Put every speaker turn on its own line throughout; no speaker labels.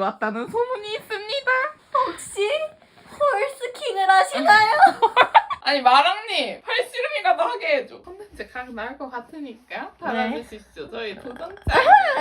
왔다는 소문이 있습니다.
혹시 홀스킹을 하시나요?
아니 마랑님 팔씨름이라도 하게 해줘. 컨텐츠 각 나올 것 같으니까 달아주십시오. 저희 도전자.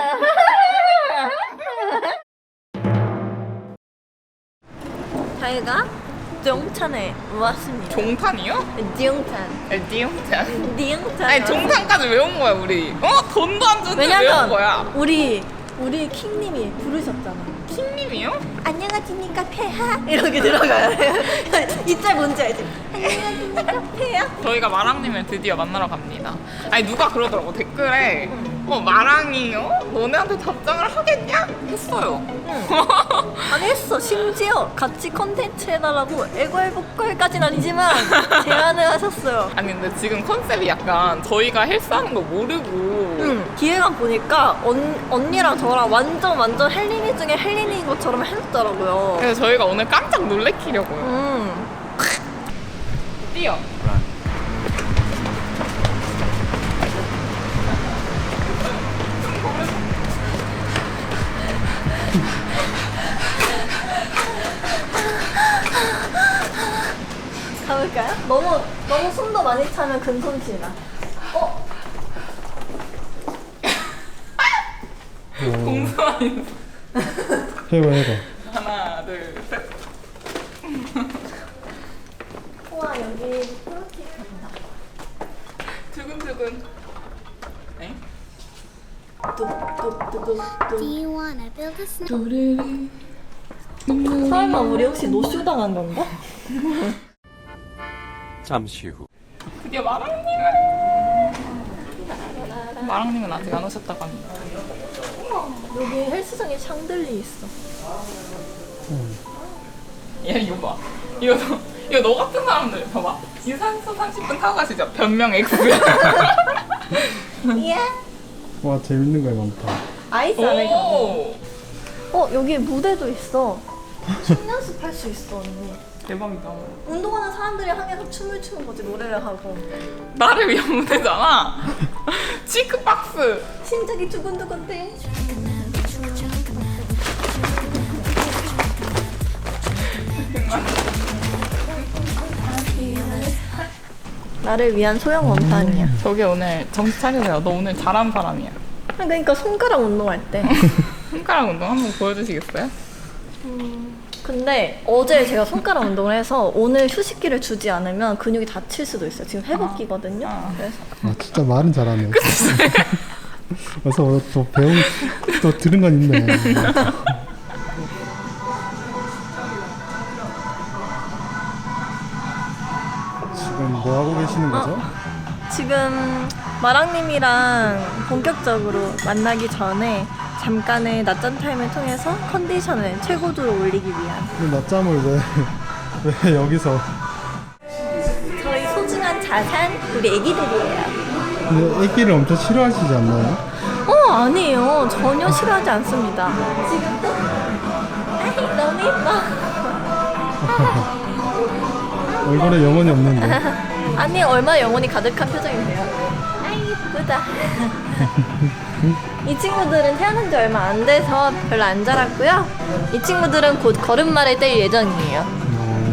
저희가 종탄에 왔습니다.
종탄이요?
종탄.
띠용탄.
종탄.
아니 종탄까지 외운 거야 우리. 돈도 안 주는데 외운
왜냐면
거야.
우리 킹님이 부르셨잖아.
킹님이요?
안녕하십니까 폐하 이렇게 들어가야 돼. 이짤 뭔지 알지? 안녕하십니까 폐하.
저희가 마랑님을 드디어 만나러 갑니다. 아니 누가 그러더라고 댓글에 마랑이요? 너네한테 답장을 하겠냐? 했어요.
아니 했어. 심지어 같이 컨텐츠 해달라고 애걸복걸까진 아니지만 제안을 하셨어요.
아니 근데 지금 컨셉이 약간 저희가 헬스하는 거 모르고
기획안 보니까 언니랑 저랑 완전 헬린이 중에 헬린인 것처럼 해줬더라고요.
그래서 저희가 오늘 깜짝 놀래키려고요. 뛰어.
가볼까요? 너무 숨도 많이 차면 근손실이다.
공손한
해봐.
하나 둘 셋.
우와 여기 프로틴 간다.
두근두근. 에?
뚝뚝뚝뚝뚝.
Do you wanna build a snow?
설마 우리 혹시 노쇼 당한 건가?
잠시 후.
드디어 마랑님은 아직 안 오셨다고 합니다.
여기 헬스장에 샹들리 있어.
야 이거 봐. 이거 너 같은 사람들 봐봐. 유산소 30분 타고 가시죠. 변명 X.
예.
와 재밌는 거 많다.
아이스 아메리카노.
오
여기 무대도 있어. 춤 연습할 수 있어 언니.
대박이다.
운동하는 사람들이 항해서 춤을 추는 거지 노래를 하고.
나를 위한 무대잖아. 치크박스.
심장이 두근두근대. 나를 위한 소형 원판이야.
저기 오늘 정신 차리세요. 너 오늘 잘하는 사람이야.
그러니까 손가락 운동할 때.
손가락 운동 한번 보여주시겠어요?
근데 어제 제가 손가락 운동을 해서 오늘 휴식기를 주지 않으면 근육이 다칠 수도 있어요. 지금 회복기거든요. 그래서
아 진짜 말은 잘하네. 그래서 또 또 들은 건 있네. 지금 뭐 하고 계시는 거죠?
지금 마랑님이랑 본격적으로 만나기 전에 잠깐의 낮잠 타임을 통해서 컨디션을 최고조로 올리기 위한
근데 낮잠을 왜 여기서?
저희 소중한 자산 우리 애기들이에요.
근데 애기를 엄청 싫어하시지 않나요?
아니에요. 전혀 싫어하지 않습니다. 지금 또 아이 너무 예뻐.
얼굴에 영혼이 없는데.
아니 얼마나 영혼이 가득한 표정인데요. 아이 예쁘다. 이 친구들은 태어난 지 얼마 안 돼서 별로 안 자랐고요. 이 친구들은 곧 걸음마를 뗄 예정이에요.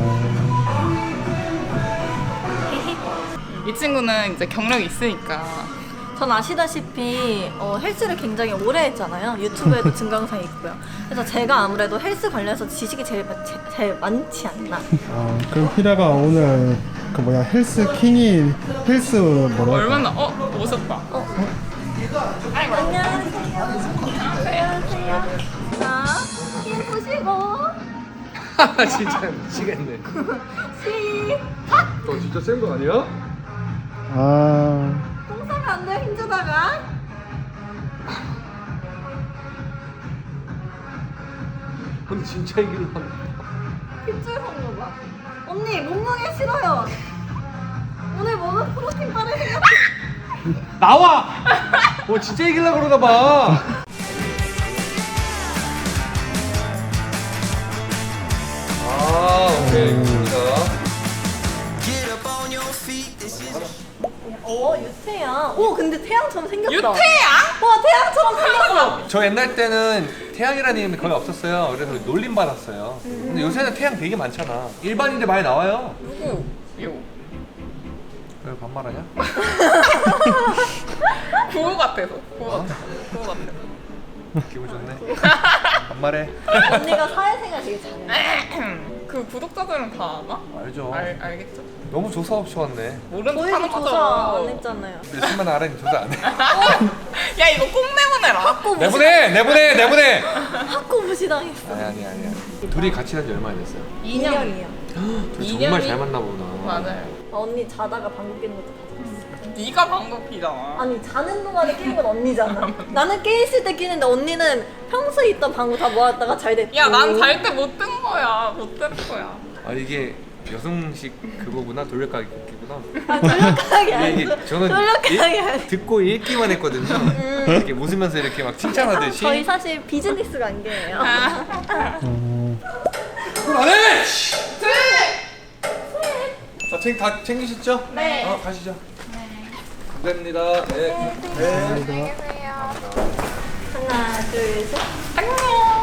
이 친구는 이제 경력이 있으니까.
전 아시다시피 헬스를 굉장히 오래 했잖아요. 유튜브에도 증강사에 있고요. 그래서 제가 아무래도 헬스 관련해서 지식이 제일 많지 않나.
그럼 히라가 오늘 그 뭐야 헬스 뭐라 할까?
얼마나 오셨다.
안녕하세요. 안녕하세요. 자, 힘 보시고
진짜 미치겠네.
시작.
너 진짜 센 거 아니야?
똥 싸면 안 돼요. 힘주다가.
근데 진짜 이길라.
핏줄 섞는 거 봐. 언니 몸무게 싫어요. 오늘 먹은 프로틴 바를 생각.
나와! 진짜 이길라 그러나 봐. 오케이. 좋습니다.
유태양. 오, 근데 태양처럼 생겼다.
유태양?
와, 태양처럼 생겼어.
저 옛날 때는 태양이라는 이름이 거의 없었어요. 그래서 놀림 받았어요. 근데 요새는 태양 되게 많잖아. 일반인들 많이 나와요.
누구? 요.
왜 반말하냐?
구호 같아서. 구호 같아서. 구호 같아서.
기분 좋네. 반말해.
언니가 사회생활 되게 잘해.
그 구독자들은 다 아나?
알죠.
알겠죠?
너무 조사 없이 왔네.
모르는
저희도
사람
조사
하죠.
안 했잖아요.
몇십만 알아니 조사 안 해.
야 이거 꼭 내보내라.
학고 무시,
내보내.
학고 무시당했어.
아니야. 둘이 같이 한 지 얼마나 됐어요?
2년이요.
둘이
2년이?
정말 잘 맞나 보나.
맞아요.
언니 자다가 방귀 뀌는 것도 다 들었어.
네가 방금 피잖아.
아니 자는 동안에 끼는 건 언니잖아. 나는 깨 있을 때 끼는데 언니는 평소에 있던 방구 다 모았다가 잘 됐고.
야 난 잘 때 못 든 거야. 못 든 거야.
아 이게 여성식 그거구나. 돌려가기 웃기구나.
아, 돌려가게
이게
아니고
저는
돌려가게 아니고.
듣고 읽기만 했거든요. 이렇게 웃으면서 이렇게 막 칭찬하듯이.
저희 사실 비즈니스 관계예요.
그건 안 해! 자, 다 챙기셨죠?
네.
가시죠. 감사합니다. 네.
하나 둘 셋.
안녕.